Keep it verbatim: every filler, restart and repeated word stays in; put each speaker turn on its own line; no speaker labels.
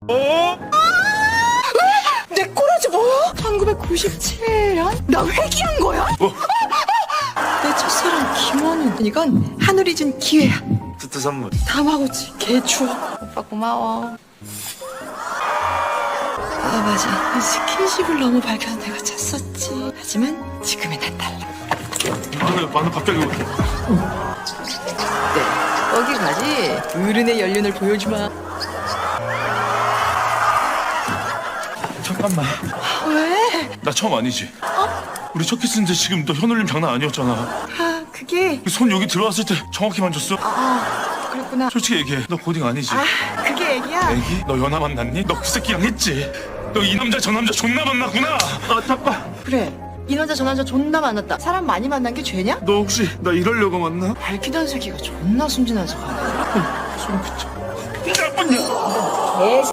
어?
내 꼬라지 뭐야? 천구백구십칠 년? 나 회귀한 거야?
어?
내 첫사랑 김원훈. 이건 하늘이 준 기회야.
스트 선물.
다마고치 개추억. 오빠 고마워. 아 맞아, 스킨십을 너무 밝혀서 내가 찼었지. 하지만 지금의 난 달라.
마늘 마늘 갑자기 왜?
네, 거기 가지. 어른의 연륜을 보여주마.
잠깐만.
왜?
나 처음 아니지? 어? 우리 첫 키스인데 지금 너 현울림 장난 아니었잖아.
아 그게
손 여기 들어왔을 때 정확히 만졌어?
아 그랬구나.
솔직히 얘기해. 너 고딩 아니지?
아 그게 애기야.
애기? 너 연하 만났니? 너 그 새끼랑 했지? 너 이 남자 저 남자 존나 만났구나. 아 잠깐.
그래, 이 남자 저 남자 존나 만났다. 사람 많이 만난 게 죄냐?
너 혹시 나 이러려고 만나?
밝히던 새끼가 존나 순진한 척하네.
소름 끼쳐. 이 나쁜 년.
개